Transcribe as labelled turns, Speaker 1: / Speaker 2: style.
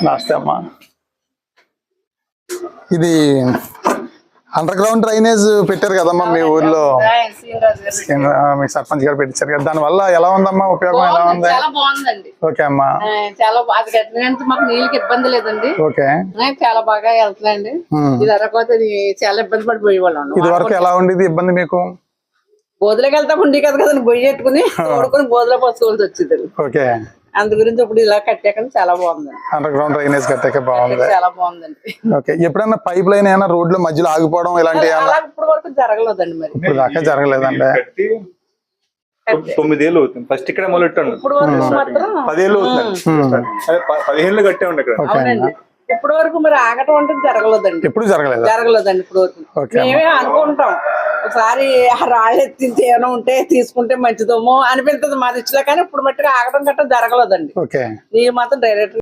Speaker 1: నమస్తే అమ్మా. ఇది అండర్ గ్రౌండ్ డ్రైనేజ్ పెట్టారు కదమ్మా మీ ఊర్లో, మీ సర్పంచ్ గారు పెట్టించారు కదా, దాని వల్ల ఎలా ఉందమ్మా, ఉపయోగం ఎలా ఉంది?
Speaker 2: చాలా బాగుందండి.
Speaker 1: ఓకే అమ్మా,
Speaker 2: చాలా అది కట్టినంత మాకు నీళ్ళకి ఇబ్బంది లేదండి.
Speaker 1: ఓకే,
Speaker 2: చాలా బాగా వెళ్తున్నాయండి. ఇది అరకపోతే చాలా ఇబ్బంది పడిపోయేవాళ్ళం.
Speaker 1: ఇది వరకు ఎలా ఉండేది ఇబ్బంది మీకు?
Speaker 2: బోధలోకి వెళ్తా ఉండి కదా కదండి, బొయ్యి పెట్టుకుని తోడుకుని బోధలో పోసుకోవాల్సి వచ్చేది.
Speaker 1: ఓకే,
Speaker 2: అందు గురించి ఇప్పుడు ఇలా కట్టాక చాలా బాగుందండి.
Speaker 1: అండర్ గ్రౌండ్ డ్రైనేజ్ కట్టాక బాగుంది,
Speaker 2: చాలా బాగుందండి.
Speaker 1: ఓకే. ఎప్పుడైనా పైప్ లైన్ ఏమైనా రోడ్ల మధ్యలో ఆగిపోవడం ఇలాంటి
Speaker 2: ఇప్పుడు వరకు జరగలేదండి. మరి
Speaker 1: ఇప్పుడు దాకా జరగలేదండి.
Speaker 3: 9 ఏళ్ళు అవుతుంది. ఫస్ట్ ఇక్కడ మొదలెట్టాను,
Speaker 2: ఇప్పుడు వరకు మాత్రం
Speaker 3: 10 ఏళ్ళు అవుతుంది. 15 కట్టే ఉండే ఇక్కడ.
Speaker 2: అవునండి. ఇప్పుడు వరకు మరి ఆగటం అంటే జరగలేదండి.
Speaker 1: ఎప్పుడు జరగలేదు,
Speaker 2: జరగలేదండి ఇప్పుడు వరకు. మేమే అనుకుంటాం ఒకసారి రాళ్ళు ఎత్తించి ఏమైనా ఉంటే తీసుకుంటే మంచిదేమో అనిపిస్తుంది మా దృష్టిలో, కానీ ఇప్పుడు మట్టుగా ఆగటం గట్రా జరగలేదండి.
Speaker 1: ఓకే,
Speaker 2: నీళ్ళు మాత్రం డైరెక్ట్